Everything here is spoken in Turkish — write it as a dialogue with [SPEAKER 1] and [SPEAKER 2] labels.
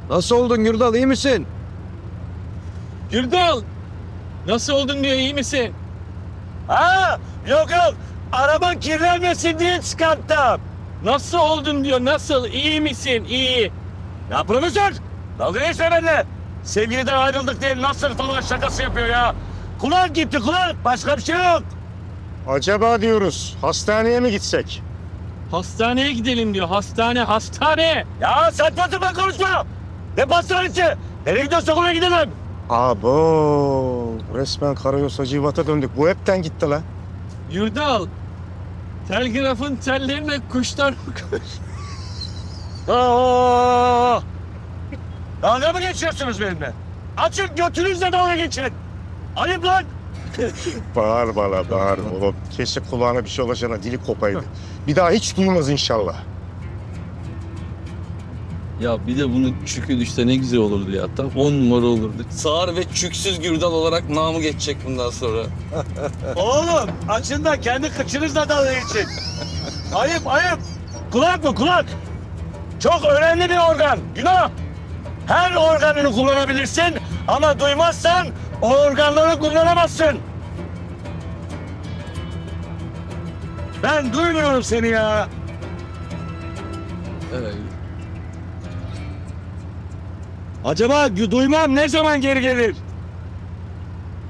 [SPEAKER 1] Nasıl oldun Gürdal, iyi misin?
[SPEAKER 2] Gürdal! Nasıl oldun diyor, iyi misin?
[SPEAKER 3] Ha, yok yok. Araban kirlenmesin diye çıkarttım.
[SPEAKER 2] Nasıl oldun diyor, nasıl? İyi misin? İyi.
[SPEAKER 3] Ya profesör, dalga geçme benimle. Sevgiliden ayrıldık diye nasıl falan şakası yapıyor ya. Kulak gitti kulak, başka bir şey yok.
[SPEAKER 4] Acaba diyoruz hastaneye mi gitsek?
[SPEAKER 2] Hastaneye gidelim diyor, hastane.
[SPEAKER 3] Ya saçma sapan konuşma. Ne pastanesi? Nereye gidiyorsak oraya gidelim.
[SPEAKER 4] Abo, resmen Karayolsa Civat'a döndük. Bu hepten gitti la.
[SPEAKER 2] Gürdal, telgrafın tellerine kuşlar kuş.
[SPEAKER 3] Aa! Dalga mı geçiyorsunuz benimle? Açın götünüzle dalga geçin. Ayıp lan.
[SPEAKER 4] Bağırma la, bağırma. Oğlum, keşke kulağına bir şey olacağına dili kopaydı. Bir daha hiç duymaz inşallah.
[SPEAKER 5] Ya bir de bunu çükü düşse ne güzel olurdu ya. Tam 10 numara olurdu. Sağır ve çüksüz Gürdal olarak namı geçecek bundan sonra.
[SPEAKER 3] Oğlum açın da kendi kıçınızla dalga geçin. Ayıp ayıp. Kulak mı kulak? Çok önemli bir organ. Günah. Her organını kullanabilirsin ama duymazsan o organları kullanamazsın. Ben duymuyorum seni ya.
[SPEAKER 5] Evet.
[SPEAKER 3] Acaba duymam ne zaman geri gelir?